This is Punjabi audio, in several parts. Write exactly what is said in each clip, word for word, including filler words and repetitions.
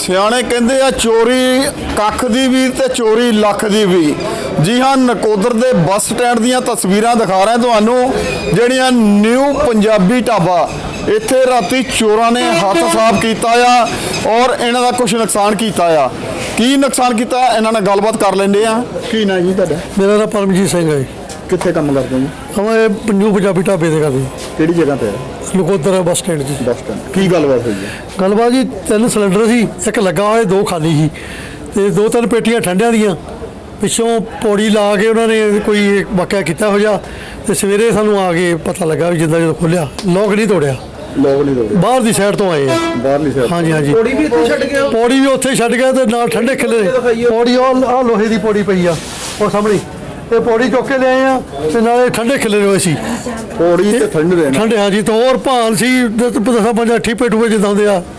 ਸਿਆਣੇ ਕਹਿੰਦੇ ਆ ਚੋਰੀ ਕੱਖ ਦੀ ਵੀ ਤੇ ਚੋਰੀ ਲੱਖ ਦੀ ਵੀ। ਜੀ ਹਾਂ, ਨਕੋਦਰ ਦੇ ਬੱਸ ਸਟੈਂਡ ਦੀਆਂ ਤਸਵੀਰਾਂ ਦਿਖਾ ਰਹੇ ਤੁਹਾਨੂੰ, ਜਿਹੜੀਆਂ ਨਿਊ ਪੰਜਾਬੀ ਢਾਬਾ। ਇੱਥੇ ਰਾਤੀ ਚੋਰਾਂ ਨੇ ਹੱਥ ਸਾਫ਼ ਕੀਤਾ ਆ ਔਰ ਇਹਨਾਂ ਦਾ ਕੁਝ ਨੁਕਸਾਨ ਕੀਤਾ ਆ। ਕੀ ਨੁਕਸਾਨ ਕੀਤਾ ਇਹਨਾਂ ਨਾਲ ਗੱਲਬਾਤ ਕਰ ਲੈਂਦੇ ਆ। ਕੀ ਨਾਂ ਜੀ ਤੁਹਾਡਾ? ਮੇਰਾ ਨਾਮ ਪਰਮਜੀਤ ਸਿੰਘ ਹੈ। ਕਿੱਥੇ ਕੰਮ ਕਰਦੇ ਹੋ ਜੀ? ਹਮੇ ਨਿਊ ਪੰਜਾਬੀ ਢਾਬੇ ਤੇ ਕਰਦੇ। ਕਿਹੜੀ ਜਗ੍ਹਾ ਤੇ? ਨਕੋਦਰ ਬੱਸ ਸਟੈਂਡ ਜੀ। Bus stand. ਕੀ ਗੱਲਬਾਤ ਹੋਈ ਹੈ? ਗੱਲਬਾਤ ਜੀ, ਤਿੰਨ ਸਿਲੰਡਰ ਸੀ, ਇੱਕ ਲੱਗਾ ਹੋਇਆ, ਦੋ ਖਾਲੀ ਸੀ ਤੇ ਦੋ ਤਿੰਨ ਪੇਟੀਆਂ ਠੰਡਿਆਂ ਦੀਆਂ। ਪਿੱਛੋਂ ਪੌੜੀ ਲਾ ਕੇ ਉਹਨਾਂ ਨੇ ਕੋਈ ਵਾਕਿਆ ਕੀਤਾ ਹੋ ਜਾ ਤੇ ਸਵੇਰੇ ਸਾਨੂੰ ਆ ਕੇ ਪਤਾ ਲੱਗਾ ਵੀ ਜਿੱਦਾਂ ਜਦੋਂ ਖੋਲਿਆ ਲੋਕ ਨਹੀਂ ਤੋੜਿਆ। ਲੋਕ ਨਹੀਂ ਤੋੜੇ? ਬਾਹਰ ਦੀ ਸਾਈਡ ਤੋਂ ਆਏ ਆ। ਬਾਹਰਲੀ ਸਾਈਡ? ਹਾਂਜੀ ਹਾਂਜੀ। ਪੌੜੀ ਵੀ ਇੱਥੇ ਛੱਡ ਗਿਆ? ਪੌੜੀ ਵੀ ਉੱਥੇ ਛੱਡ ਗਿਆ ਤੇ ਨਾਲ ਠੰਡੇ ਖਿੱਲੇ। ਪੌੜੀ ਉਹ ਆਹ ਲੋਹੇ ਦੀ ਪੌੜੀ ਪਈ ਆ ਉਹ ਸਾਹਮਣੇ। ਇਹ ਪੌੜੀ ਚੁੱਕ ਕੇ ਲਿਆਏ ਆ ਤੇ ਨਾਲੇ ਠੰਡੇ ਖਿੱਲੇ ਹੋਏ ਸੀ। ਪੌੜੀ ਤੇ ਠੰਡੇ ਠੰਡੇ ਹਾਂਜੀ। ਤੇ ਹੋਰ ਭਾਨ ਸੀ ਦਸਾਂ ਪੰਜਾਂ ਠੀਪੇ ਟੂਪੇ ਜਿੱਦਾਂ ਹੁੰਦੇ ਆ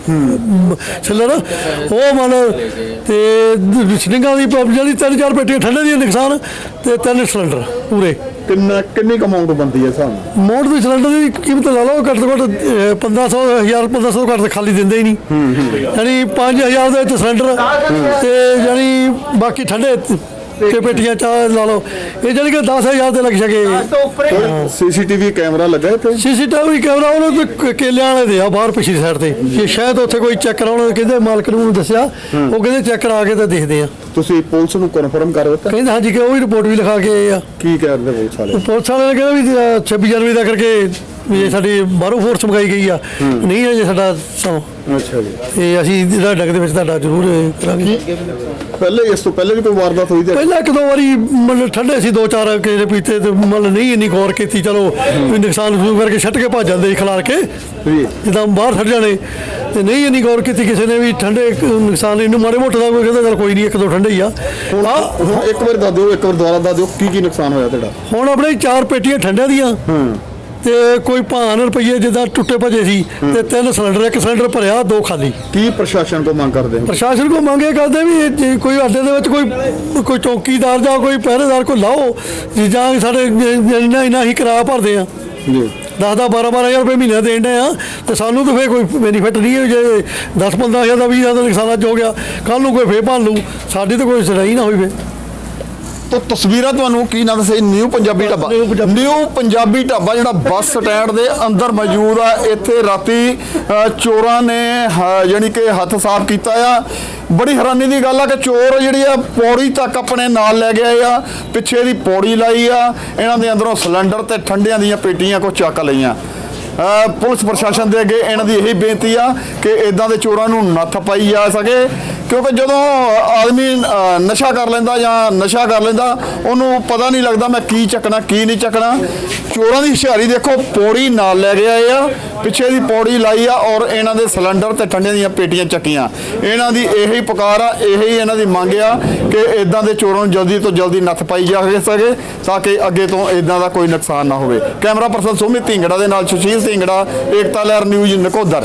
ਸਿਲਰ, ਉਹ ਮਤਲਬ ਤੇ ਸਿੰਘਾਂ ਦੀ ਜਿਹੜੀ ਤਿੰਨ ਚਾਰ ਪੇਟੀਆਂ ਠੰਡੇ ਦੀਆਂ ਨੁਕਸਾਨ ਤੇ ਤਿੰਨ ਸਿਲੰਡਰ ਪੂਰੇ। ਕਿੰਨਾ ਕਿੰਨੀ ਕਮਾਉਂਟ ਬਣਦੀ ਹੈ ਸਾਨੂੰ? ਮੋੜ ਦੀ ਸਿਲੰਡਰ ਦੀ ਕੀਮਤ ਲਾ ਲਓ ਘੱਟ ਤੋਂ ਘੱਟ ਪੰਦਰਾਂ ਸੌ ਹਜ਼ਾਰ ਪੰਦਰਾਂ ਸੌ ਘੱਟ ਖਾਲੀ ਦਿੰਦੇ ਹੀ ਨਹੀਂ। ਯਾਨੀ ਪੰਜ ਹਜ਼ਾਰ ਦੇ ਵਿੱਚ ਸਿਲੰਡਰ ਤੇ ਯਾਨੀ ਬਾਕੀ ਠੰਡੇ ਤੇ ਪੇਟੀਆਂ ਚਾਹ ਲਾ ਲਓ, ਇਹ ਜਾਨੀ ਕਿ ਦਸ ਹਜ਼ਾਰ ਦੇ ਲੱਗ ਸਕੇ। ਸੀਸੀਟੀਵੀ ਕੈਮਰਾ ਲੱਗਾ ਇੱਥੇ? ਸੀਸੀਟੀਵੀ ਕੈਮਰਾ ਉਹਨਾਂ ਦੇ ਕੇਲਿਆਂ ਵਾਲੇ ਦੇ ਆ ਬਾਹਰ ਪਿਛਲੀ ਸਾਈਡ ਤੇ। ਇਹ ਸ਼ਾਇਦ ਉੱਥੇ ਕੋਈ ਚੈੱਕ ਕਰਾਉਣਾ, ਕਹਿੰਦੇ ਮਾਲਕ ਨੂੰ ਦੱਸਿਆ, ਉਹ ਕਹਿੰਦੇ ਚੈੱਕ ਕਰਾ ਕੇ ਤਾਂ ਦੇਖਦੇ ਆ। ਤੁਸੀਂ ਪੁਲਿਸ ਨੂੰ ਕਨਫਰਮ ਕਰ ਦਿੱਤਾ? ਕਹਿੰਦੇ ਹਾਂਜੀ ਕਿ ਉਹ ਵੀ ਰਿਪੋਰਟ ਵੀ ਲਿਖਾ ਕੇ ਆਏ ਆ। ਕੀ ਕਰਦੇ ਪੁਲਿਸ ਵਾਲੇ? ਪੁਲਿਸ ਵਾਲੇ ਨੇ ਕਹਿੰਦਾ ਵੀ ਛੱਬੀ ਜਨਵਰੀ ਦਾ ਕਰਕੇ ਵੀ ਇਹ ਸਾਡੀ ਬਾਹਰੋਂ ਫੋਰਸ ਮੰਗਾਈ ਗਈ ਆ, ਨਹੀਂ ਹੈ ਜੇ ਸਾਡਾ ਸਮਾਂ। ਅੱਛਾ ਜੀ। ਤੇ ਅਸੀਂ ਜਿਹੜਾ ਡੱਗ ਦੇ ਵਿੱਚ ਤੁਹਾਡਾ ਜ਼ਰੂਰ ਕਰਾਂਗੇ। ਪਹਿਲੇ ਇਸ ਤੋਂ ਪਹਿਲੇ ਵੀ ਕੋਈ ਵਾਰਦਾਤ ਹੋਈ? ਪਹਿਲਾਂ ਇੱਕ ਦੋ ਵਾਰੀ ਮਤਲਬ ਠੰਡੇ ਸੀ, ਦੋ ਚਾਰ ਕਿਸੇ ਪੀਤੇ ਤੇ ਮਤਲਬ ਨਹੀਂ ਇੰਨੀ ਗੌਰ ਕੀਤੀ, ਚਲੋ ਵੀ ਨੁਕਸਾਨ ਨੁਕਸਾਨ ਕਰਕੇ ਛੱਟ ਕੇ ਭੱਜ ਜਾਂਦੇ ਖਿਲਾਰ ਕੇ ਜਿੱਦਾਂ ਬਾਹਰ ਛੱਡ ਜਾਣੇ, ਤੇ ਨਹੀਂ ਇੰਨੀ ਗੌਰ ਕੀਤੀ ਕਿਸੇ ਨੇ ਵੀ ਠੰਡੇ ਨੁਕਸਾਨ ਇਹਨੂੰ ਮਾੜੇ ਮੋਟੇ ਦਾ ਕੋਈ ਕਹਿੰਦਾ ਚਲ ਕੋਈ ਨਹੀਂ ਇੱਕ ਦੋ ਠੰਡੇ ਹੀ ਆ। ਹੁਣ ਇੱਕ ਵਾਰ ਦੱਸ ਦਿਓ, ਇੱਕ ਵਾਰ ਦੁਬਾਰਾ ਦੱਸ ਦਿਓ ਕੀ ਕੀ ਨੁਕਸਾਨ ਹੋਇਆ ਤੁਹਾਡਾ? ਹੁਣ ਆਪਣੇ ਚਾਰ ਪੇਟੀਆਂ ਠੰਡਿਆਂ ਦੀਆਂ ਤੇ ਕੋਈ ਭਾਨ ਰੁਪਈਏ ਜਿੱਦਾਂ ਟੁੱਟੇ ਭੱਜੇ ਸੀ ਤੇ ਤਿੰਨ ਸਿਲੰਡਰ, ਇੱਕ ਸਿਲੰਡਰ ਭਰਿਆ, ਦੋ ਖਾਲੀ। ਕੀ ਪ੍ਰਸ਼ਾਸਨ ਕੋ ਮੰਗ ਕਰਦੇ? ਪ੍ਰਸ਼ਾਸਨ ਕੋ ਮੰਗੇ ਕਰਦੇ ਵੀ ਕੋਈ ਅੱਡੇ ਦੇ ਵਿੱਚ ਕੋਈ ਕੋਈ ਚੌਕੀਦਾਰ ਜਾਂ ਕੋਈ ਪਹਿਰੇਦਾਰ ਕੋਈ ਲਾਓ, ਜਾਂ ਸਾਡੇ ਇੰਨਾ ਇੰਨਾ ਹੀ ਕਿਰਾਇਆ ਭਰਦੇ ਆ ਜੀ, ਦਸ ਦਸ ਬਾਰਾਂ ਬਾਰਾਂ ਹਜ਼ਾਰ ਰੁਪਏ ਮਹੀਨਾ ਦੇਣ ਦੇ ਆ, ਤੇ ਸਾਨੂੰ ਤਾਂ ਫਿਰ ਕੋਈ ਬੈਨੀਫਿਟ ਨਹੀਂ ਹੈ। ਜੇ ਦਸ ਪੰਦਰਾਂ ਹਜ਼ਾਰ ਦਾ ਵੀਹ ਹਜ਼ਾਰ ਦਾ ਨੁਕਸਾਨ ਅੱਜ ਹੋ ਗਿਆ, ਕੱਲ੍ਹ ਨੂੰ ਕੋਈ ਫੇਰ ਭੰਨ ਲੂ, ਸਾਡੀ ਤਾਂ ਕੋਈ ਸਰਾਈ ਨਾ ਹੋਈ ਫੇ। ਤੋ ਤਸਵੀਰਾਂ ਤੁਹਾਨੂੰ ਕੀ ਨਾ ਦੱਸੇ, ਨਿਊ ਪੰਜਾਬੀ ਢਾਬਾ। ਨਿਊ ਪੰਜਾਬੀ ਢਾਬਾ ਜਿਹੜਾ ਬੱਸ ਸਟੈਂਡ ਦੇ ਅੰਦਰ ਮੌਜੂਦ ਆ। ਇੱਥੇ ਰਾਤੀ ਚੋਰਾਂ ਨੇ ਯਾਨੀ ਕਿ ਹੱਥ ਸਾਫ਼ ਕੀਤਾ ਆ। ਬੜੀ ਹੈਰਾਨੀ ਦੀ ਗੱਲ ਆ ਕਿ ਚੋਰ ਜਿਹੜੀ ਆ ਪੌੜੀ ਤੱਕ ਆਪਣੇ ਨਾਲ ਲੈ ਗਏ ਆ, ਪਿੱਛੇ ਦੀ ਪੌੜੀ ਲਾਈ ਆ, ਇਹਨਾਂ ਦੇ ਅੰਦਰੋਂ ਸਿਲੰਡਰ ਤੇ ਠੰਡਿਆਂ ਦੀਆਂ ਪੇਟੀਆਂ ਕੋ ਚੱਕ ਲਈਆਂ। ਪੁਲਿਸ ਪ੍ਰਸ਼ਾਸਨ ਦੇ ਅੱਗੇ ਇਹਨਾਂ ਦੀ ਇਹੀ ਬੇਨਤੀ ਆ ਕਿ ਇਦਾਂ ਦੇ ਚੋਰਾਂ ਨੂੰ ਨੱਥ ਪਾਈ ਜਾ ਸਕੇ, ਕਿਉਂਕਿ ਜਦੋਂ ਆਦਮੀ ਨਸ਼ਾ ਕਰ ਲੈਂਦਾ ਜਾਂ ਨਸ਼ਾ ਕਰ ਲੈਂਦਾ ਉਹਨੂੰ ਪਤਾ ਨਹੀਂ ਲੱਗਦਾ ਮੈਂ ਕੀ ਚੱਕਣਾ ਕੀ ਨਹੀਂ ਚੱਕਣਾ। ਚੋਰਾਂ ਦੀ ਹੁਸ਼ਿਆਰੀ ਦੇਖੋ, ਪੌੜੀ ਨਾਲ ਲੈ ਕੇ ਆਏ ਆ, ਪਿੱਛੇ ਦੀ ਪੌੜੀ ਲਾਈ ਆ ਔਰ ਇਹਨਾਂ ਦੇ ਸਿਲੰਡਰ ਤੇ ਠੰਡਿਆਂ ਦੀਆਂ ਪੇਟੀਆਂ ਚੱਕੀਆਂ। ਇਹਨਾਂ ਦੀ ਇਹੀ ਪੁਕਾਰ ਆ, ਇਹੀ ਇਹਨਾਂ ਦੀ ਮੰਗ ਆ ਕਿ ਇਦਾਂ ਦੇ ਚੋਰਾਂ ਨੂੰ ਜਲਦੀ ਤੋਂ ਜਲਦੀ ਨੱਥ ਪਾਈ ਜਾ ਸਕੇ ਤਾਂ ਕਿ ਅੱਗੇ ਤੋਂ ਇਦਾਂ ਦਾ ਕੋਈ ਨੁਕਸਾਨ ਨਾ ਹੋਵੇ। ਕੈਮਰਾ ਪਰਸਨ ਸੁਮਿਤ ਢਿੰਗੜਾ ਦੇ ਨਾਲ ਸੁਸ਼ੀਲ ਢਿੰਗੜਾ, ਏਕਤਾ ਲਹਿਰ ਨਿਊਜ਼ ਨਕੋਦਰ।